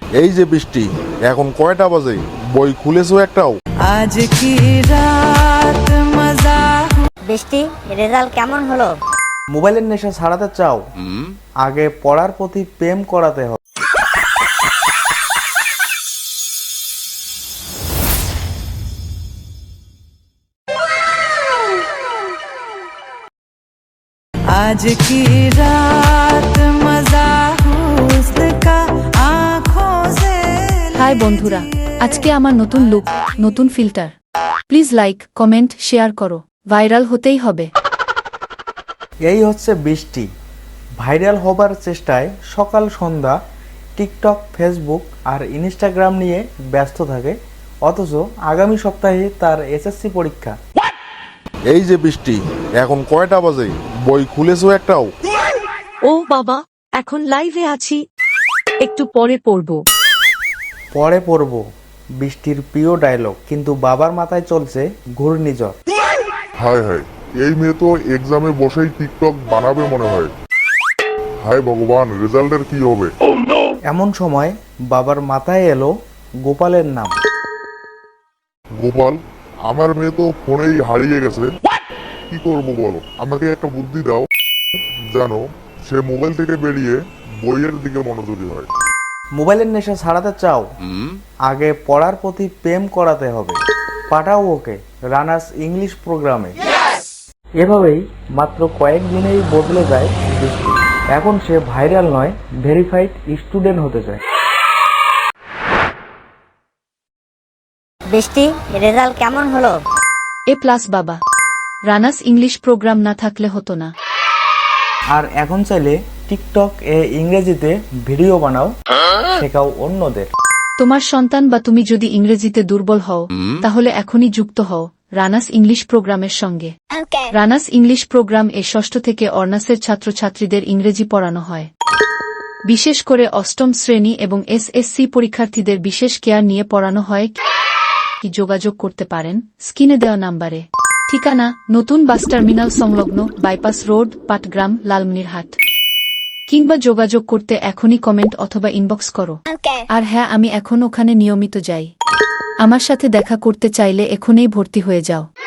এই যে বৃষ্টি, এখন কয়টা বাজে? বই খুলেছো একটাও? আজ কি রাত মজা। বৃষ্টি, রেজাল্ট কেমন হলো? মোবাইলের নেশা ছাড়াতে চাও? আগে পড়ার প্রতি প্রেম করাতে হবে। आज की रात मजा हुस्न का आँखों से। হাই বন্ধুরা, আজকে আমার নতুন লুক, নতুন filter. Please like, comment, share করো, ভাইরাল হতেই হবে। এই হচ্ছে বৃষ্টি, ভাইরাল হবার চেষ্টায় সকাল সন্ধ্যা টিকটক, ফেসবুক আর ইনস্টাগ্রাম নিয়ে ব্যস্ত থাকে, অথচ আগামী সপ্তাহে তার এসএসসি পরীক্ষা। এই যে বৃষ্টি, এখন কয়টা বাজে? বই খুলেছো একটাও? ও বাবা, এখন লাইভে আছি, একটু পরে পড়বো। পরে পড়ব বৃষ্টির প্রিয় ডায়লগ, কিন্তু বাবার মাথায় চলছে ঘূর্ণিঝড়। হায় হায়, এই মেয়ে তো এক্সামে বসেই টিকটক বানাবে মনে হয়। হায় ভগবান, রেজাল্টের কি হবে? এমন সময় বাবার মাথায় এলো গোপালের নাম। গোপাল? আমার মেয়ে তো ফোনেই হারিয়ে গেছে, কি করবো বলো? আমাকে একটা বুদ্ধি দাও, জানো সে মোবাইল থেকে বেরিয়ে বইয়ের দিকে মনোযোগী হয়। মোবাইলের নেশা ছাড়াতে চাও? আগে পড়ার প্রতি প্রেম করাতে হবে। পাঠাও ওকে রানার্স ইংলিশ প্রোগ্রামে। এভাবেই মাত্র কয়েকদিনেই বদলে যায় বৃষ্টি। এখন সে ভাইরাল নয়, ভেরিফাইড স্টুডেন্ট হতে চায়। বৃষ্টি, রেজাল্ট কেমন হলো? A+ বাবা, রানাস ইংলিশ প্রোগ্রাম না থাকলে হতো না। আর এখন চাইলে টিকটক ইংরেজিতে ভিডিও বানাও, শেখাও অন্যদের। তোমার সন্তান বা তুমি যদি ইংরেজিতে দুর্বল হও, তাহলে এখনই যুক্ত হও রানাস ইংলিশ প্রোগ্রামের সঙ্গে। রানাস ইংলিশ প্রোগ্রাম ষষ্ঠ থেকে অনার্সের ছাত্রছাত্রীদের ইংরেজি পড়ানো হয়। বিশেষ করে অষ্টম শ্রেণী এবং এসএসসি পরীক্ষার্থীদের বিশেষ কেয়ার নিয়ে পড়ানো হয়। কি যোগাযোগ করতে পারেন স্ক্রিনে দেওয়া নাম্বারে। ঠিকানা নতুন বাস টার্মিনাল সংলগ্ন, বাইপাস রোড, পাটগ্রাম, লালমনিরহাট। কিংবা যোগাযোগ করতে এখনই কমেন্ট অথবা ইনবক্স করো। আর হ্যাঁ, আমি এখন ওখানে নিয়মিত যাই। আমার সাথে দেখা করতে চাইলে এখনই ভর্তি হয়ে যাও।